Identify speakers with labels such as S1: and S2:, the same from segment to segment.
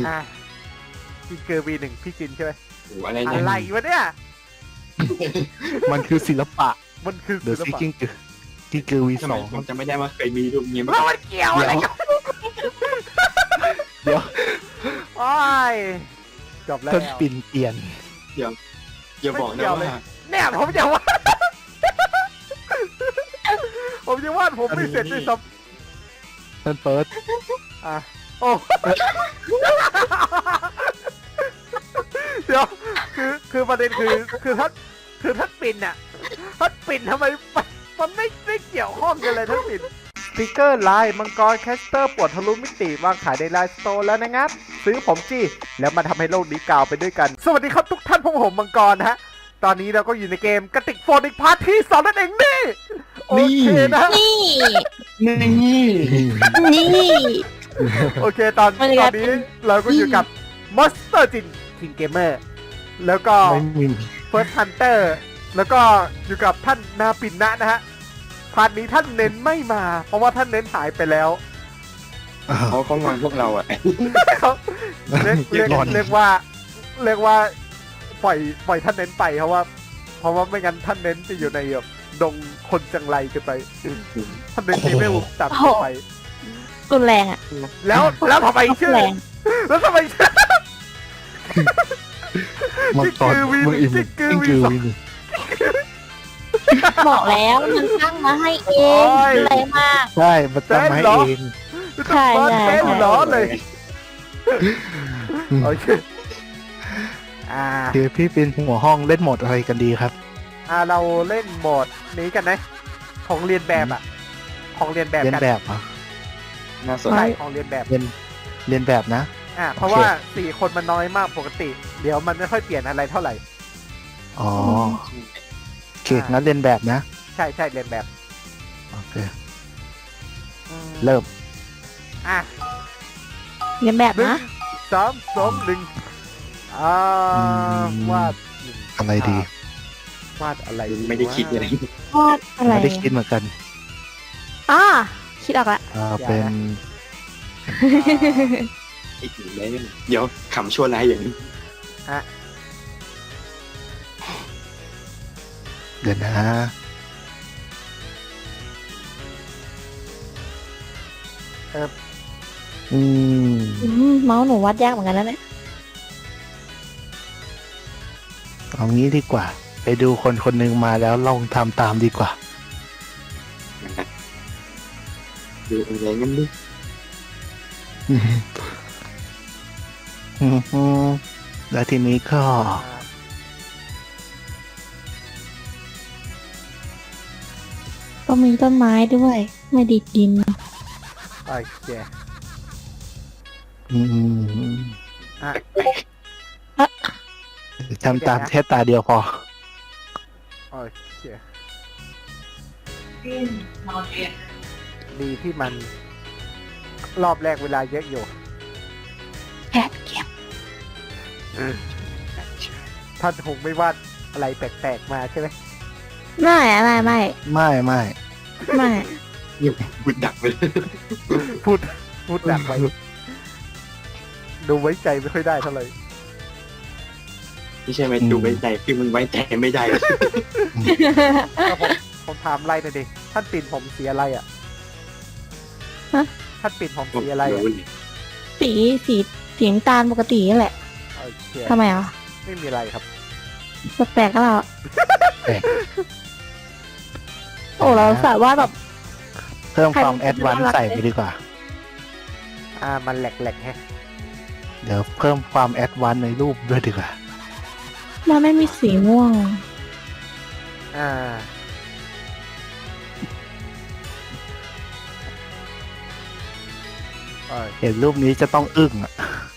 S1: จินเกอร์ V1 พี่จินใช่ไหม
S2: โอ้อะไร
S1: อะ
S2: เนี่ย
S1: ไรวะเนี่ย
S3: มันคือศิลปะ
S1: มันคือ
S3: เด
S1: ศิ
S3: อะ
S1: ล
S3: ซิก
S1: ปะ
S3: กิ้งเกอร์วี
S2: ทำ
S3: ส
S2: ไม
S3: อง
S2: ผมจำไม่ได้ว่าเคยมีรูปนี้มา
S1: แล้วมันเกี่ยวอะไรกัน
S3: เดี๋ยว
S1: โอ้ยจบแล้ว
S3: ต้นปิ่นเปลี่ยน
S2: อย่าบอกนะว่า
S1: เนี่ยผมจะว่า ผมจะวาดผมไม่เสร็จด้วยซ้
S3: ต้นเปิด
S1: ำโอ้เดี๋ยวคือประเด็นคือท่านปิ่นน่ะท่านปิ่นทำไมมันไม่เกี่ยวข้องกันเลยท่านปิ่นสติกเกอร์ลายมังกรแคสเตอร์ปวดทะลุมิติวางขายในไลน์สโตร์แล้วนะครับซื้อผมจี้แล้วมาทำให้โลกนี้กล่าวไปด้วยกันสวัสดีครับทุกท่านผมมังกรนะฮะตอนนี้เราก็อยู่ในเกมกระติกโฟนอีกพาร์ทที่2นั่นเองนี่โอเคนะ
S4: นี่
S2: นี่
S4: นี่
S1: โอเคตอนนี้เราก็อยู่กับมอนสเตอร์จินคิงเกมเมอร์แล้วก็
S3: ไม่มี
S1: เฟิร์สฮันเตอร์แล้วก็อยู่กับท่านนาปินนะนะฮะพาร์ทนี้ท่านเน้นไม่มา เพราะว่าท่านเน้นหายไปแล้ว
S2: เขางอนพวกเราอ่ะ
S1: เรียกว่าปล่อยท่านเน้นไปเพราะว่าไม่งั้นท่านเน้นจะอยู่ในแบบดงคนจังไรกันไปท่านเน้นที่ไม่หุบตัดไป
S4: รุนแรงอ่ะ
S1: แล้วทำไมชื่อ
S4: แรง
S1: แล้วทำไมชื่อ
S3: มังกรมึงอิ่ม
S1: จิ๊กกื
S3: กิ้
S1: อง วี
S3: กือ
S1: สอง
S3: วี
S4: บอกแล้วมันตั้งมาให้เอง
S1: โอ้ย
S4: แรงมาก
S3: ใช่มันตั้งมาให้เอง
S4: ใช่
S1: บ้าน
S4: ใช่
S1: เป็นร้อนเลยโอเค
S3: เดี๋ยวพี่เป็นหัวห้องเล่นโหมดอะไรกันดีครับ
S1: เราเล่นโหมดนี้กันนะของเรียนแบบอ่ะของเรียนแบบ
S3: เล่น
S1: กัน
S3: แบบเหรอ
S2: น่าสน
S1: ใช่
S2: ใจ
S1: ของเรียนแบบ
S3: เล่นแบบนะ
S1: เพราะว่า4 คนมันน้อยมากปกติ เดี๋ยวมันไม่ค่อยเปลี่ยนอะไรเท่าไหร่
S3: อ๋อโอเคงั้นเล่นแบบนะ
S1: ใช่เรียนแบบ
S3: โอเคเริ่ม
S1: อ่ะ
S4: เรียนแบบ
S1: หนึ่ง
S4: นะ
S1: 3 2 1วาด
S3: อะไรดี
S1: วาดอะไร
S2: ไม่ได้คิดอะไร
S4: วาดอะไร
S3: ไม่ได้คิดเหมือนกัน
S4: คิดออกละ
S3: เป็น
S2: อีกหนึ่งเลยเดี๋ยวขำชั่วร้ายอย่างนี้
S3: เดี๋ยวนะ อืม
S4: เมาส์หนูวาดยากเหมือนกันแล้วเนี่ย
S3: เอางี้ดีกว่า ไปดูคนคนหนึ่งมาแล้วลองทำตามดีกว่า
S2: ดูอะไรงั้นดิ
S3: แล้วทีนี้ก็
S4: ก็มีต้นไม้ด้วย ไม่ดีดดิน
S1: โอเค
S3: อืม
S1: อ่ะ
S3: ทำตามแค่ตาเดียวพอ
S1: โอเคดีที่มันรอบแรกเวลาเยอะอยู่
S4: แอบเก็บ
S1: ท่านคงไม่วาดอะไรแปลกๆมาใช่ไหม
S4: ไม่ไม่
S3: ไม่ไม่
S4: ไม่
S2: บุดดักไปเลย
S1: พูดดักไว้ดูไว้ใจไม่ค่อยได้เท่าไหร่
S2: ไม่ใช่ไหมดูไว้ใจคือมันไว้ใจไม่ได้
S1: ก็ผมถามอะไรหน่อยดิท่านปิ่นผมสีอะไรอ่ะท่านปิ่นผมสีอะไรอ่ะ
S4: สีน้ำตาลปกตินี่แหละ
S1: โอเค
S4: ทำไมอ่ะ
S1: ไม่มีอะไรครับ
S4: แปลกๆก็เรา
S3: แปลก
S4: โอ้เราสาวว่าแบบ
S3: เพิ่มความแอดวานซ์ใส่ไปดีกว่า
S1: มันแหลกๆแฮะ
S3: เดี๋ยวเพิ่มความแอดวานซ์ในรูปด้วยดีกว่า
S4: มันไม่มีสีม่วง
S1: อ่าเออ
S3: เห็นรูปนี้จะต้องอึ้งอ่ะ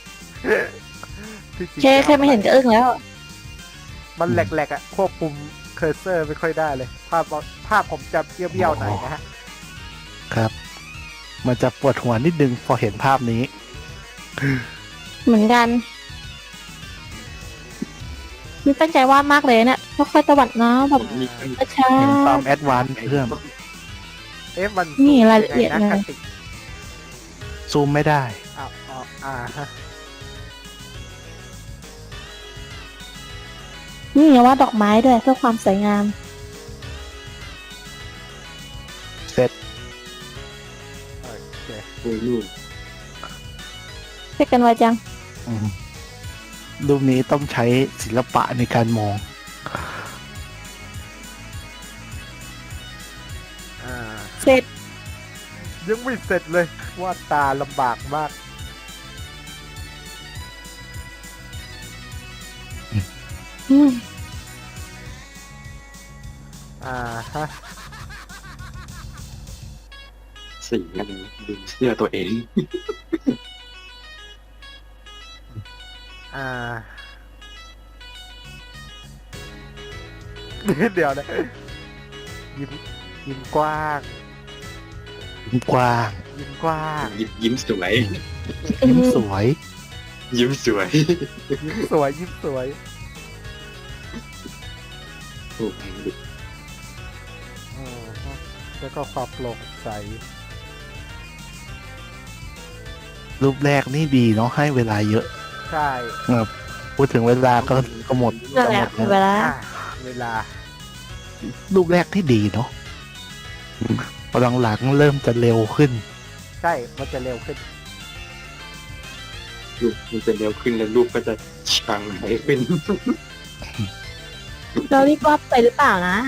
S1: ที่จริง
S4: แค่ไม่เห็นก็อึ้งแล้ว
S1: มันแหลกๆอ่ะควบคุมเคอร์เซอร์ไม่ค่อยได้เลย ภาพผมจะเบี้ยวๆหน่อยนะฮะ
S3: ครับ มันจะปวดหัวนิดนึงพอเห็นภาพนี้
S4: เหมือนกันนี่ตั้งใจวาดมากเลยเนี่ยค่อยๆตวัดเนาะแบบช้า
S3: เห็นความแอดวานซ์เพิ่ม
S1: มัน
S4: นี่รายละเอียด
S1: นะ
S4: เลย
S1: กระติก
S3: ซูมไม่ได้
S1: ฮะ
S4: นี่อย่าว่าดอกไม้ด้วยเพื่อความสวยงาม
S3: เสร็จ
S1: โอเค
S2: โอ้ยลูก
S4: เรียกกันไวจัง
S3: อืมรูปนี้ต้องใช้ศิลปะในการมอง
S1: อ่า
S4: เสร็จ
S1: ยังไม่เสร็จเลยวาดตาลำบากมาก
S4: อืม
S1: อ่าฮะ
S2: สีอะไรดูเสื้อตัวเอง
S1: อ่า เดี๋ยวนะยิ้มยิ้มกว้าง
S3: กว้าง
S1: ยิ้มกว้าง
S2: ยิ้มสวย
S3: ยิ้มสวย
S2: ยิ้มสวย
S1: ยิ้มสวยยิ้มสวย
S2: โอ้ย
S1: อ่าฮะแล้วก็ความโปร่งใส
S3: รูปแรกนี่ดีเนาะให้เวลาเยอะ
S1: ใช่
S3: พูดถึงเวลาก็หมด
S4: นั่นแหละ
S3: ก็หมด
S4: เว
S3: แล้ว
S4: ลา
S1: อ่ะเวลา
S3: รูปแรกที่ดีเนาะพอหลังๆเริ่มจะเร็วขึ้น
S1: ใช่ มันจะเร็วขึ้น
S2: รูปมันจะเร็วขึ้นแล้วรูปก็จะชังไหลขึ้น
S4: เรารีบวาดไปหรือเปล่านะ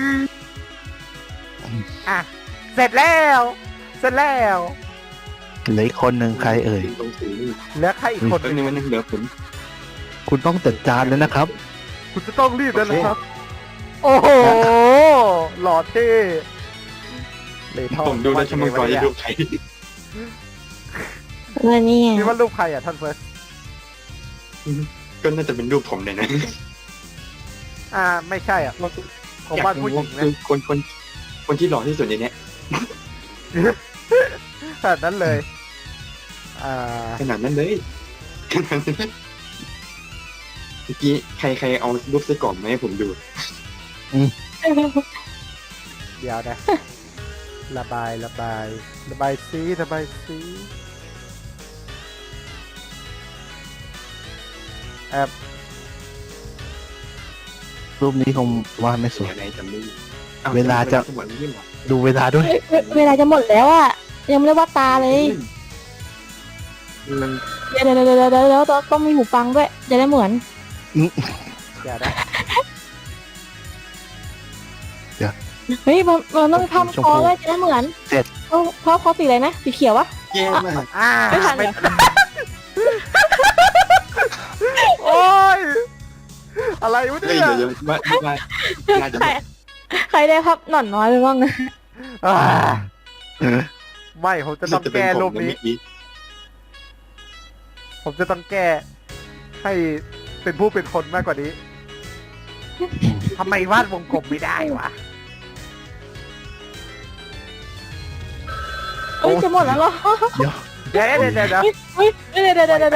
S1: อ่ะ เสร็จแล้ว เสร็จแล้ว
S3: เหลืออีกคนหนึ่งใครเอ่ย
S2: ตรงสีนี่
S1: แล้วใครอีกคน
S2: แป๊บ
S1: ห
S2: นึ
S1: นึ่
S2: ง
S1: ง
S2: มันยังเหลือผม
S3: คุณต้องจัดจานแล้วนะครับ
S1: คุณจะต้องรีบแล้วนะครับ โอ้โห หล่อเท่เลยท่อ
S2: ผมดูแล้วชั่วโมงก่อนจะดูใคร
S4: แล้วนี่ไง
S1: นี่ว่ารูปใครอ่ะท่านเฟิร์ส
S2: ก็น่าจะเป็นรูปผมเลยนะ
S1: อ่า ไม่ใช่อ่ะ ผมวาดผู้หญิงนะ
S2: คือคนที่หล่อที่สุดในเนี้ย
S1: ขนาดนั้นเลย อ่า
S2: ขนาดนั้นเลยขนาดนั้นเมื่อกี้ใครเอารูปไส้กรอกมาให้ผมดู
S1: เดี๋ยวนะ ระบายระบาย ระบายซีระบายซีแอบ
S3: รูปนี้คงว่าไม่สวย
S2: อะไรจำไม่ได้
S3: เวลาจะ
S2: หมดแล้วไม่หรอ
S3: ดูเวลาด้วย
S4: เวลาจะหมดแล้วอ่ะ ยังไม่ได้วาดตาเลย
S2: มัน
S4: เดี๋ยวต้องมีหูฟังด้วย จะได้เหมือน
S1: เดี๋ยวนะ
S4: เฮ้ยมันต้องมีภาพ
S3: ชม
S4: คอ
S3: พู
S4: ด้วยจะได้เหมือน
S3: เสร็จ
S4: เพราะคอสีอะไรนะ สีเขียววะ
S2: แย่มาก
S1: อ่า
S4: ไม่ทัน
S1: ไม่โอ้ย อะไรวะ
S2: เฮ้ย
S1: เนี่ย
S2: เดี๋ยวว่าน่าจะ
S4: ใครได้ภาพหน่อนน้อยไปบ้างนะ
S1: อ่าไม่ ผมจะต้องแก้รูปนี้ ผมจะต้องแก้ ให้เป็นผู้เป็นคนมากกว่านี้ ทำไมวาดวงกลมไม่ได้วะ
S4: เอ้ยจะหมดแล้วเหรอ
S1: เดี๋ยวเดี๋ยวเดี๋ยวเดี๋ยว
S4: เฮ้ยเดี๋ยว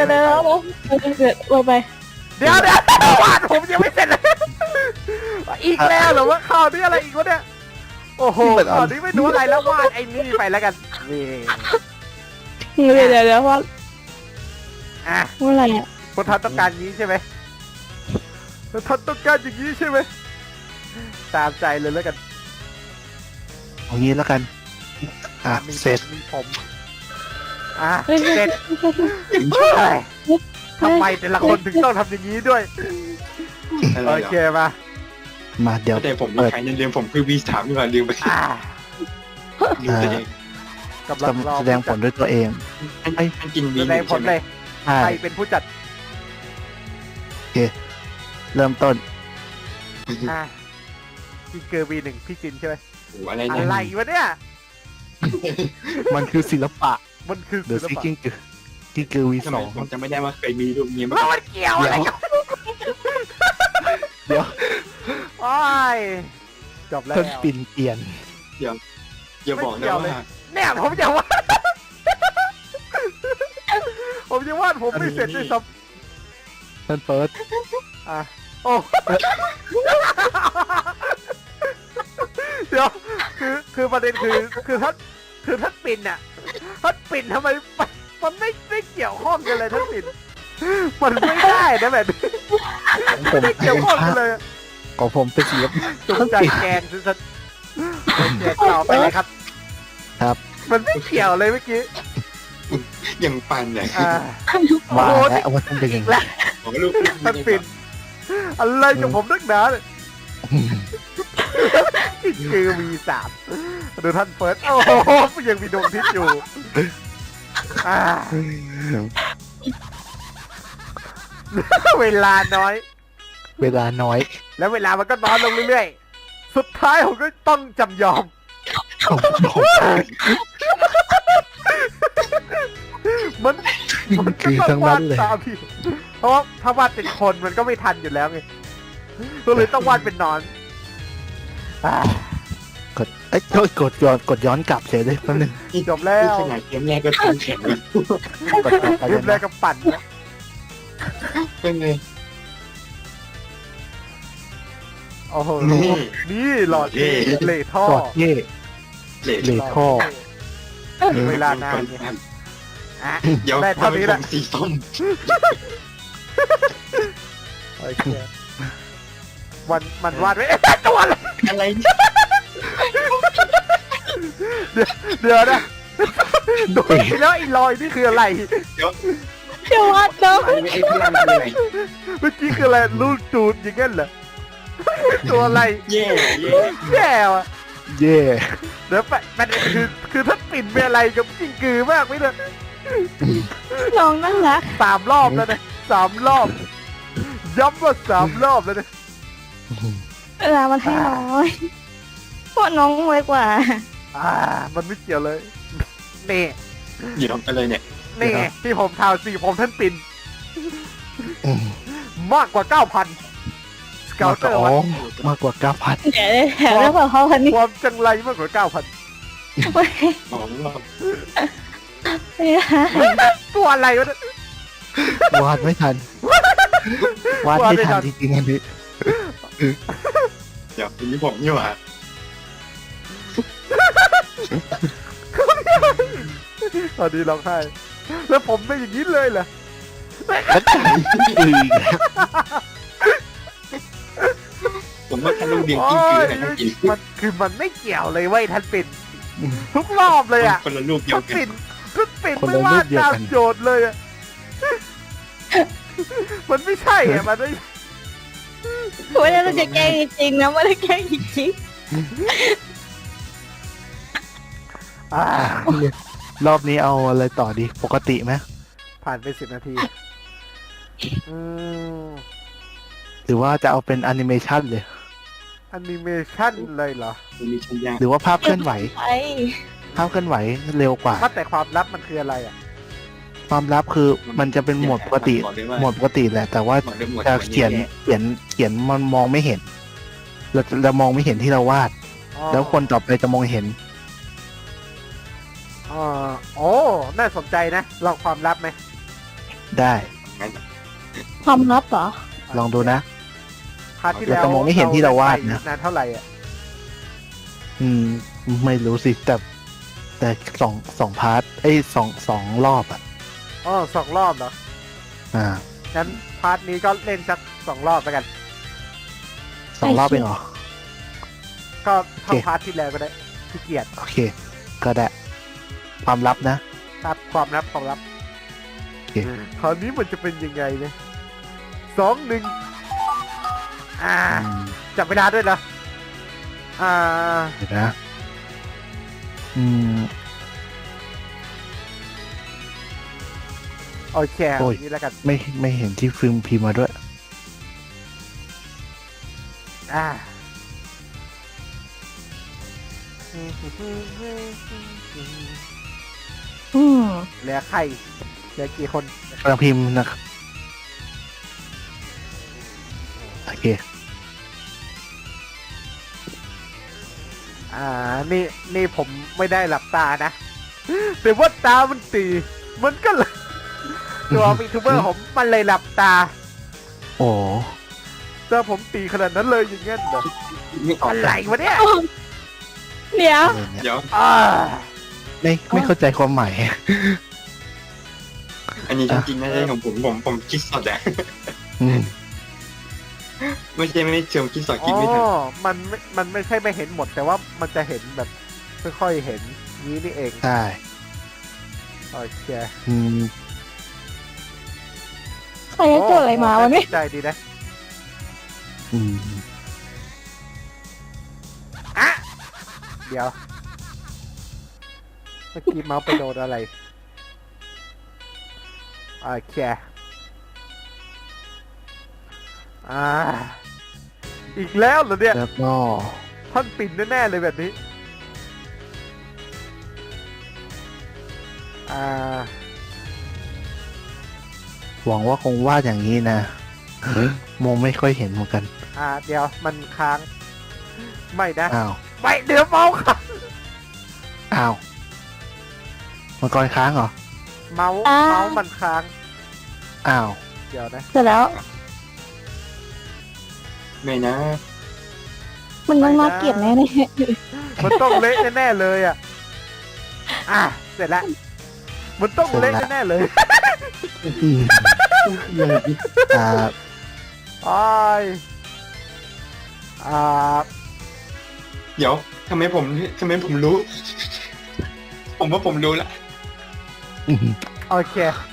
S4: ไป
S1: เดี๋ยววาดผมยังไม่เสร็จเลย อีกแล้วเหรอว่าข่าวนี้อะไรอีกวะเนี่ย โอ้โหข่าวนี้ไม่รู้อะไรแล้ววาดไอ้นี่ไปแล้วกันนี่
S4: เดี๋ยวว่า
S1: อ่ะ
S4: ว่าอะไรอ่ะ
S1: คนทันต้องการนี้ใช่ไหมคนทันต้องการอย่างนี้ใช่ไหมตามใจเลยแล้วกัน
S3: เอางี้แล้วกัน
S1: มี
S3: เสร็จ
S1: มีผมอ่ะ
S4: เฮ้ย
S1: เสร็จเฮ้ยทำไมแต่ละคนถึงต้องทำอย่างนี้ด้วย
S2: อะไร
S1: โอ
S2: เหรอ
S1: เคมา
S3: มาเดี๋ยว
S2: แต่ผมมีใครลืมผมคือ V3 นี่หว่าลืมไป
S1: อ่า
S2: ลืมตัวเอง
S1: กำลังรอ
S3: แสดงผลด้วยตัวเอง
S2: ให้กิน V
S1: แสดงผลเลย
S3: ใช่
S1: ใครเป็นผู้จัด
S3: เริ่มต้น
S1: อ่ะพี่เกอร์วีหนึ่งพี่จินใช่ไหม
S2: โอ้อะไร
S1: อะ
S2: เนี่ย
S1: ไรวะเนี่ย
S3: มันคือศิลปะ
S1: มันคือ
S3: เดี๋ยว
S1: ศิล
S3: ซิ
S1: ปะ
S3: กิ้งคือวี
S2: ทำ
S3: ส
S2: ไม
S3: อง
S2: ผมจะไม่ได้ว่าเคยมีรูปนี้มา
S1: แล้วมันเกี่ยวอะไรกับ
S3: เดี๋ยว
S1: โอ้ยจบแล้ว
S3: ต้นปิ่นเปลี่ยน
S2: อย่าบอกนะว่า
S1: เนี่ยผมจะวาด ผมจะวาดผมไม่เสร็จด้วยซ้
S3: ต้นเฟิร์ส
S1: ำอ่ะโอ้ เดี๋ยวคือประเด็นคือท่านปิ่นอ่ะท่านปิ่นทำไมมันไม่เกี่ยวข้องกันเลยท่านปิ่นมันไม่ได้นะแบบนี้
S3: ผม
S1: ไม่เกี่ยวข้องกันเลยอะ
S3: ของผมเป็นสี
S1: จุกใจแกงสุดๆโอเคต่อไปเลยครับ
S3: ครับ
S1: มันไม่เกี่ยวเลยเมื่อกี้
S2: ยังปันเนี่ย
S1: อ่า
S3: ว่า
S1: โอ้โห
S3: แล้วว่าต้องเป็นอย่าง
S1: และ
S3: นี้
S2: ผมก็รู้
S1: ท่านปิ่นอะไรกับผมนักหนาเนี่ยนี่คือ V3 ดูท่านเฟิร์สโอ้โหยังมีดวงอาทิตย์อยู่อ่าเวลาน้อย
S3: เวลาน้อย
S1: แล้วเวลามันก็น้อยลงเรื่อยๆ สุดท้ายผมก็ต้องจำยอม มันมันก็
S3: คือ
S1: ต้อ
S3: ทั้
S1: ง
S3: ง
S1: วา
S3: นั้
S1: ด
S3: นเลย
S1: ตามพี่เพราะว่าถ้าวาดเป็นคนมันก็ไม่ทันอยู่แล้วไงก็เลยต้องวาดเป็นหนอนอ่าก
S3: ดเอ้ยกดย้อนกลับเฉยเลยแป๊บนึง
S1: จบแล้ว
S2: ขนาดเกมแรกก็ทันแข็งแล้ว
S3: กดกลับไป
S1: เรี
S3: เลย ย
S1: บแรก
S3: นะ
S1: ก็ปั่นนะ
S2: เป็นไง
S1: โอ้โห
S2: นี่
S1: นี่หลอด
S2: เท่
S1: เหลท่อก
S3: ดเย่
S2: เลท
S3: เลท ท่อ
S1: เวลานานเนี่ยอ่ะ
S2: เดี๋ยว
S1: ได้เท่านี้แหละ
S2: ผมสีส้ม
S1: โอเคมันวาดไว้เอ๊ะตัวอะไร
S2: อะไรเนี่ย
S1: เดี๋ยวนะดูแล้วไอ้รอยนี่คืออะไร
S4: เดี๋ยววัดเนาะ
S2: ไอ้พลังคืออะไร
S1: เมื่อกี้คืออะไรลูกจูดอย่างงั้นเหรอตัวอะไร
S2: เย่เย่
S1: แย่ว่ะ
S3: เย่
S1: เดี๋ยวประเด็นคือถ้าปิ่นเป็นอะไรกับกิ้งกือมากไม่เลย
S4: น้องน่ารัก
S1: 3 รอบแล้วนะ3 รอบย้ำว่า3 รอบแล้วนะ
S4: เวลามันให้น้อยเพราะน้องไวกว่า
S1: มันไม่เกี่ยวเลยนี่
S2: เดี๋ยวอะไรเนี่ย
S1: นี่ไงที่ผมทาวสีผมท่านปิ่น
S3: อืม
S1: มากกว่า 9,000 สเกลเตอร์
S3: อ๋อ
S1: วัด
S3: มากกว่า 9,000
S4: เดี๋ยวแถมแล้วบอกเขาพันนี้
S1: ความจังไรมากกว่า 9,000
S2: ของเรา
S4: ไม่ได้
S1: ตัวอะไรวะเนี่ย
S3: วาดไม่ทัน วาดไม่ทันจริงๆอันนี้
S2: เดี๋ยวอันนี้ผมนี่หว่า
S1: ตอนนี้ร้องไห้แล้วผมไม่อย่างนี้เลยเหรอ
S2: ผมว่าท่านลูกเดียง
S1: โอ้
S2: กิ้งกือไหน
S1: ย
S2: ท่านกิน
S1: มันคือมันไม่เกี่ยวเลยเว้ยท่านปิ่นทุกรอบเลยอ่ะ
S2: คนละลูกเดีย
S1: ท่า
S2: วน กัน
S1: ปิ่นท่านปิ่น
S3: คน
S1: ไม่
S3: ละ
S1: ว่า
S3: รูปเดียว
S1: ตาม
S3: กัน
S1: โจทย์เลยอ่ะมันไม่ใช่อ่ะมันไม่
S4: ไม่ได้เราจะแกล้งจริงๆนะไม่ได้แกล้งจริง
S1: อ่าร
S3: อบนี้เอาอะไรต่อดี ปกติไหม
S1: ผ่านไป10 นาทีอืม
S3: หรือว่าจะเอาเป็นแอนิเมชันเลย
S1: แอนิเมชั่นเลยเหรอ
S2: มันมีชัยยา
S3: หรือว่าภาพเคลื่อนไหว
S4: ๆไป
S3: ภาพเคลื่อนไหวเร็วกว่า
S1: ว่าแต่ความลับมันคืออะไรอ่ะ
S3: ความลับคือมันจะเป็นโหมดปกติ โหมดปกติแหละ แต่ว่า
S2: หมดเลยหมด
S3: จะเขียนมันมองไม่เห็น เรามองไม่เห็นที่เราวาด
S1: อ๋อ
S3: แล้วคนต่อไปจะมองเห็น
S1: อ๋อโอ้น่าสนใจนะ ลองความลับไหม
S3: ได้
S4: ความลับเหรอ
S3: ลองดูนะ
S1: พาร์ทที่แล้ว
S3: เราจะมองไม่เห็นที่เราวาดนะ
S1: นานเท่าไหร่อ่ะ
S3: ไม่รู้สิ แต่สองพาร์ทสองรอบอ่ะ
S1: อ๋อ2 รอบเหรอ
S3: อ่า
S1: งั้นพาร์ทนี้ก็เล่นสัก2 รอบไปกัน
S3: 2 รอบเองเหรอ
S1: ก็เท่า
S3: โอเค
S1: พาร์ทที่แล้วก็ได้ขี้เกียจ
S3: โอเค ก็ได้ ความลับนะ
S1: ครับความลับความลับ
S3: โอเค
S1: คราวนี้มันจะเป็นยังไงเนี่ย2-1จับเวลาด้วยเหรอ
S3: เดี๋ยวนะ
S1: โอเค
S3: โอ้ย
S1: นี่แล้วกัน
S3: ไม่เห็นที่ฟิล์มพิมพ์มาด้วย
S1: อ่า
S4: อืม
S1: เหลือใครเหลือกี่คน
S3: กำลังพิมพ์นะครับ โอเค
S1: นี่ผมไม่ได้หลับตานะ แต่ว่าตามันตี มันก็เลย ตัวมีทูเบอร์ผมมันเลยหลับตา
S3: โอ้
S1: แต่ผมตีขนาดนั้นเลยอย่างเงี้ยเหรอ
S2: ไม่ออก
S1: อะไรวะเนี่ย
S4: เดี๋ยว
S3: อะไรเนี่ย
S2: เดี๋ยว
S1: อ่า
S3: ไม่เข้าใจความหมาย
S2: อันนี้จริงๆนะใช่ของผมคิดสดอะ
S3: อืม
S2: ไม่เชิงคิดสอน
S1: อ๋
S2: คิดไม่ทัน
S1: อมันไม่ใช่ไม่เห็นหมด แต่ว่ามันจะเห็นแบบค่อยๆเห็นนี้นี่เอง
S3: ใช่
S1: โอเค
S3: อืม
S4: ใครจะโจทย์อะไรมาวะเนี่ย
S1: ใจดีนะ
S3: อืม
S1: อ่ะเดี๋ยวเมื่อกี้เมาส์ไปโดนอะไรโอเคอีกแล้วเหรอเนี่ย
S3: แล้วก็
S1: ท่อนปิ่นแน่ๆเลยแบบนี้อ่า
S3: หวังว่าคงวาดอย่างนี้นะมองไม่ค่อยเห็นเหมือนกัน
S1: เดี๋ยวมันค้าง ไม่นะ
S3: อ้าว
S1: ไม่เดี๋ยวเมาส์ค้าง
S3: อ้าวมังกรค้างเหรอ
S1: เมาส์มันค้าง
S3: อ้าว
S1: เดี๋ยวนะ
S4: เสร็จแล้ว
S2: ไม่นะ
S4: มันต้องน่าเกลียดแน่เลย
S1: มันต้องเละแน่ๆเลยเสร็จแล้วมันต้องเละแน่ๆเลย
S3: อืมอ่า
S1: อ้าย
S2: เดี๋ยวทำไมผมรู้ ผมว่าผมรู้ละ
S3: อืม
S1: โอเค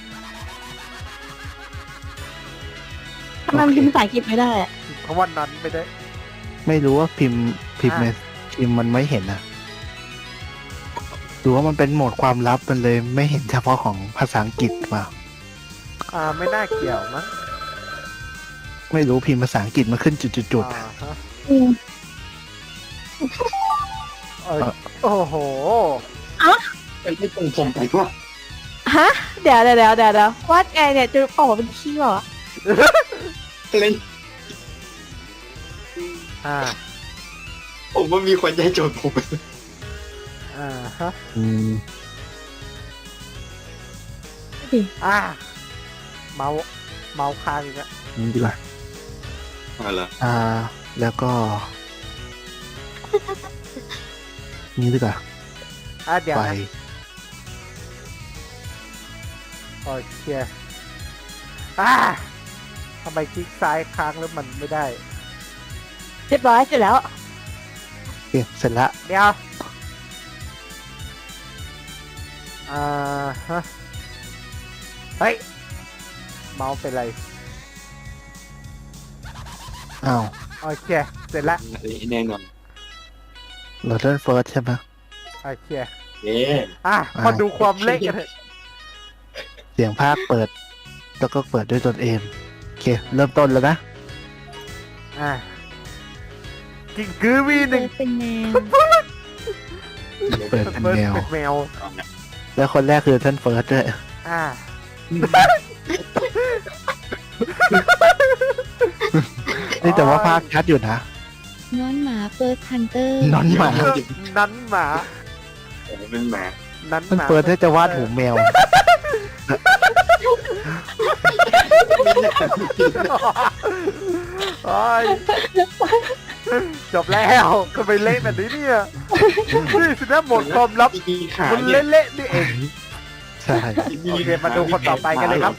S4: ทำไมมันพิมพ์ภาษาอังกฤษไม่ได้อะ
S1: เพราะวันนั้นไม่ได้
S3: ไม่รู้ว่าพิมพ์ในพิมพ์มันไม่เห็นนะหรือว่ามันเป็นโหมดความลับมันเลยไม่เห็นเฉพาะของภาษาอังกฤษมา
S1: ไม่น่าเกี่ยวมั้ง
S3: ไม่รู้พิมพ์ภาษาอังกฤษมาขึ้นจุด
S1: ฮะ
S4: อืม
S1: โอ้โห
S2: ไอ้ที่ตรงผมไปว่า
S4: ฮะ เดี๋ยววาดไงเนี่ยจะออกมาเป็นขี้เหรอ
S2: อะไร ผมว่ามีคนใจโจทย์ผม
S1: ฮะ
S3: ๆอืม
S1: เมาส์ค้างอีกแล้ว
S3: นี่ดีกว่า
S2: อะไรอ
S3: แล้วก็ นี่ดีกว่า
S1: เดี๋ยว
S3: ไป
S1: นะโอเคทำไมคลิกซ้ายค้างแล้วมันไม่ได้
S4: เรียบร้อยเสร็จแล้ว
S3: โอเคเสร็จละ
S1: เดี๋ยวฮะเฮ้ย เมาส์เป็นไร
S3: อ้าว
S1: โอเค เสร็จแล้ว
S2: แน่นอน
S3: โรเดนเฟิร์สใช่ไหม
S1: โอเค
S2: เอ๊ะ
S1: มาดูความเละกันเถอะ
S3: เสียงภาคเปิด แล้วก็เปิดด้วยตนเองโอเค เริ่มต้นแล้วนะ
S1: กิ่งกือวีหนึ่ง
S4: เป็นแมว
S3: เปิดเป็นแมว
S1: เป็นแมว
S3: แล้วคนแรกคือท่านเฟิร์สด้วย นี่แต่ว่าภาคชัดอยู่นะ
S5: น้อนหมาเฟิร์สฮันเตอร์
S3: นอนหมา
S1: นั้นหมา
S2: เป็นหมา
S1: นั้น
S3: ท่าน
S1: หมา
S3: เฟิร์สน่าจะวาดหูแมว
S1: โอ้ยจบแล้วก็ไปเละแบบนี้เนี่ยนี่สินะหมดความลับ
S2: มีขา
S1: มัน
S2: เนี่ย
S1: เละๆนี่เอง
S3: ใช่
S1: โอเคมาดูคนต่อไปกันเลยครับ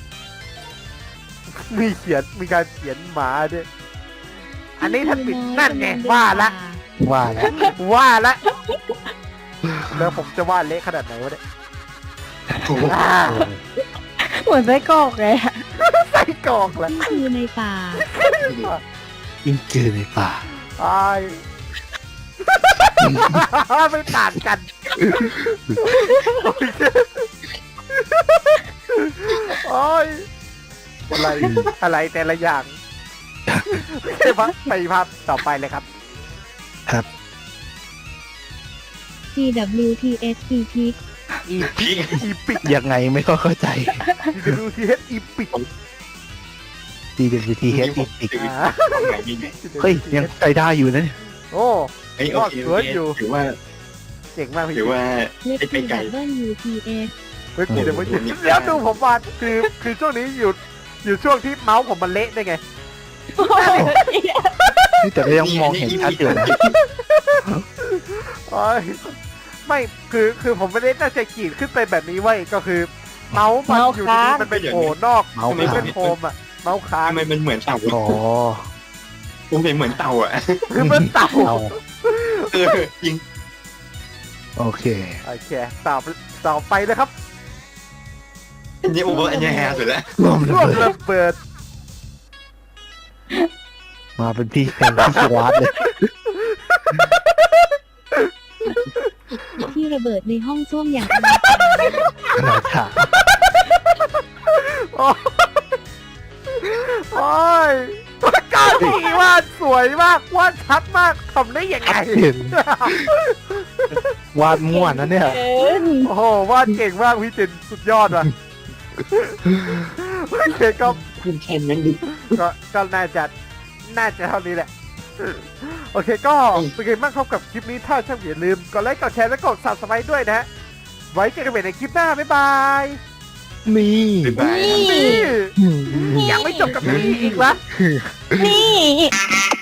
S1: มีการเขียนหมาด้วยอันนี้ท่านปิดนั่นไงว่าละ
S3: ว่าแล้ว
S1: ว่าละแล้วผมจะวาดเละขนาดไหนวะเนี่ย
S2: โอ้โห
S4: เหมือนไส้กรอกเลยอะ
S1: ใส่กรอกละ
S5: คือในป่า
S3: ยิ่งจืดในป่า
S1: ไอ้ไม่ต่างกันโอ้ยอะไรแต่ละอย่างใช่ปะไปภาพต่อไปเลยครับ
S3: ครับ
S5: TWTS
S1: อีปิก
S3: ยังไงไม่ค่อยเข้าใจ
S1: DWTH อีปิก
S3: DWT H อีปิก
S2: ความหมายมีไหน
S3: เฮ้ย ยังใจได้อยู่นะเนี่ย
S1: โอ้
S2: เอ้ยโอเค
S1: สวยอยู่
S2: ถือว่า
S1: เจ๋งมากพี่
S2: ถือว่า
S5: เล็บ
S2: ไปไกล
S5: TWTS
S1: เมื่อกี้เดี๋ยวเมื่อกี้แล้วดูผมวาดคือช่วงนี้อยู่ช่วงที่เมาส์ผมมันเละได้ไง
S3: นี่แต่ก็ยังมองเห็นชัดอยู่นะ
S1: โอ้ยไม่คือผมไม่ได้ตั้งใจขีดขึ้นไปแบบนี้ไว้ยก็คือ เมาส์มันอยู่ดีๆมันไปโผล่นอก
S3: เมาส์
S1: หรือ
S3: ค้าง
S1: เป็นโฟมอะเมาส์ค้าง
S2: ทำไมมันเหมือนเต่า
S3: อ๋อ
S2: ผมเห็นเหมือนเต่าอ่ะ
S1: คือมันเต่า
S3: เอา
S2: เออจริง
S3: โอเค
S1: โอเคต่อไปเลยครับ
S2: อันนี้โอเวอร์อันนี้แฮร์สุดแล้ว
S3: รวม
S1: ร่วม
S3: เลย
S1: ระเบิด
S3: มาเป็นพี่แข่งที่สวัสดเลย
S5: ที่ระเบิดในห้องส้วมอย่าง
S3: ขนาดถาม
S1: โอ้ยโอ้ยปากกาสีวาดสวยมากวาดชัดมากทำได้ยังไง
S3: เห็นวาดม่วนนะเนี่ย
S1: โอ้โหวาดเก่งมากพี่จินสุดยอดว่ะโอเคก็
S2: คุณแคนนั้นดิ
S1: ก็น่าจะเท่านี้แหละ โอเคก็เป็นไงบ้างครับกับคลิปนี้ถ้าช่างอย่าลืมกดไลค์กดแชร์และกด subscribe ด้วยนะฮะไว้เจอกันใหม่ในคลิปหน้าบ๊ายบาย
S3: นี่
S2: บ๊ายบาย
S1: นี่ยังไม่จบกับนี้อีกวะ
S4: นี่